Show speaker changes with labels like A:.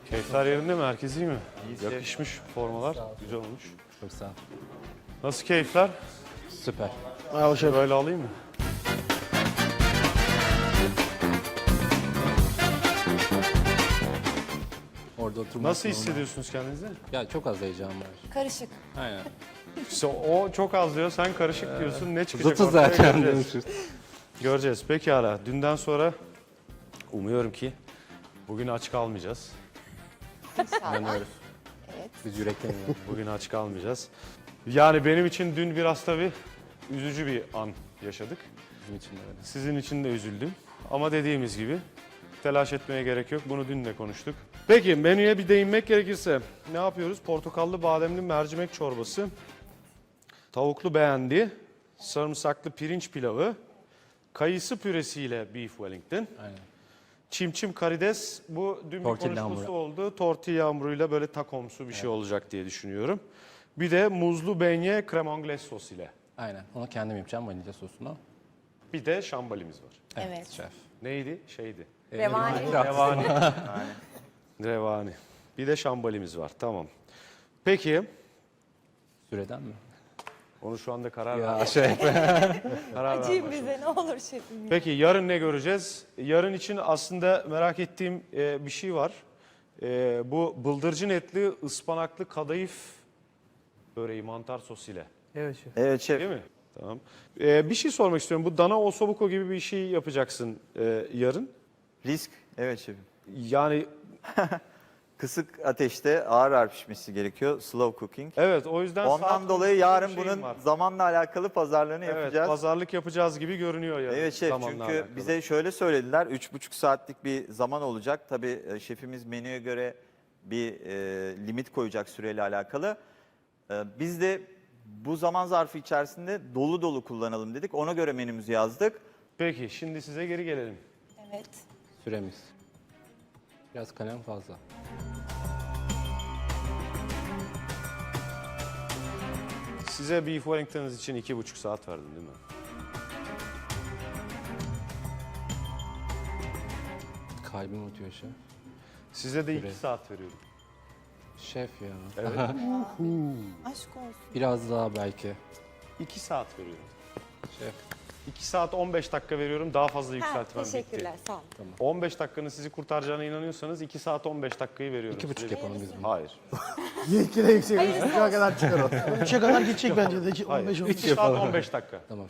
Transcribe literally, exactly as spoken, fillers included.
A: Keyifler yerinde mi? Herkes iyi mi?
B: İyi,
A: Yakışmış formalar. Güzel olmuş.
B: Çok sağ ol.
A: Nasıl keyifler?
B: Süper.
C: Merhaba şef.
A: Böyle alayım mı?
B: Orada oturmak
A: Nasıl
B: normal.
A: hissediyorsunuz kendinizi?
B: Ya çok az heyecan var.
D: Karışık.
B: Aynen.
A: İşte o çok az diyor, sen karışık diyorsun. Ne çıkacak
B: Zıtı
A: ortaya
B: zaten.
A: göreceğiz. Göreceğiz. Pekala. Dünden sonra umuyorum ki bugün aç kalmayacağız.
D: İnşallah.
B: İnanıyoruz.
D: Evet.
B: Biz yürekten inanıyoruz.
A: Bugün aç kalmayacağız. Yani benim için dün biraz tabii üzücü bir an yaşadık.
B: Bizim için de öyle.
A: Sizin için de üzüldüm. Ama dediğimiz gibi telaş etmeye gerek yok. Bunu dün de konuştuk. Peki menüye bir değinmek gerekirse ne yapıyoruz? Portakallı bademli mercimek çorbası, tavuklu beğendi, sarımsaklı pirinç pilavı, kayısı püresiyle beef wellington,
B: Aynen.
A: çimçim karides. Bu dün bir
B: Tortilla
A: konuşması
B: hamuru.
A: oldu. Tortilla hamuruyla böyle takomsu bir şey olacak diye düşünüyorum. Bir de muzlu beignet creme anglaise sos ile.
B: Aynen. Onu kendim yapacağım vanilya sosunu.
A: Bir de şambalimiz var.
D: Evet.
B: Şef.
A: Neydi? Şeydi.
D: Revani.
A: Revani. Revani. Bir de şambalimiz var. Tamam. Peki.
B: Süreden mi?
A: Onu şu anda karar ver.
B: Ya şef.
A: Karar ver.
D: Acıyım bize ne olur şefim.
A: Peki yarın ne göreceğiz? Yarın için aslında merak ettiğim e, bir şey var. E, bu bıldırcın etli ıspanaklı kadayıf böreği mantar sos ile.
C: Evet şef.
E: Evet şef.
A: Değil mi? Tamam. E, bir şey sormak istiyorum. Bu dana osobuco gibi bir şey yapacaksın e, yarın.
E: Risk. Evet şefim.
A: Yani
E: Kısık ateşte ağır ağır pişmesi gerekiyor. Slow cooking.
A: evet o yüzden
E: Ondan
A: saat
E: dolayı
A: konusunda
E: yarın
A: bir şeyim
E: bunun
A: var.
E: zamanla alakalı pazarlığını
A: Evet,
E: yapacağız.
A: pazarlık yapacağız gibi görünüyor yarın.
E: Evet şef,
A: zamanla
E: çünkü
A: alakalı.
E: bize şöyle söylediler. Üç buçuk saatlik bir zaman olacak. Tabii e, şefimiz menüye göre bir e, limit koyacak süreyle alakalı. E, biz de bu zaman zarfı içerisinde dolu dolu kullanalım dedik. Ona göre menümüzü yazdık.
A: Peki şimdi size geri gelelim.
D: Evet.
B: Süremiz. Biraz kalem fazla.
A: Size beef wellington'ınız için iki buçuk saat verdim değil mi?
B: Kalbim atıyor şef.
A: Size de iki
B: Süre.
A: saat veriyorum.
B: Şef ya.
A: Evet.
D: Aşk olsun.
B: Biraz daha belki.
A: iki saat veriyorum.
B: Şef.
A: iki saat on beş dakika veriyorum. Daha fazla
D: Ha,
A: yükseltmem
D: teşekkürler
A: bitti.
D: sağ olun.
A: on beş dakikanın sizi kurtaracağına inanıyorsanız iki saat on beş dakikayı veriyorum.
B: İki buçuk
A: size.
B: yapalım biz bunu.
A: Hayır.
C: Yetki de yüksek. Üçe kadar çıkar o. Üçe kadar gidecek bence de.
A: Hayır.
C: on beş on
A: iki saat on beş dakika.
B: Tamam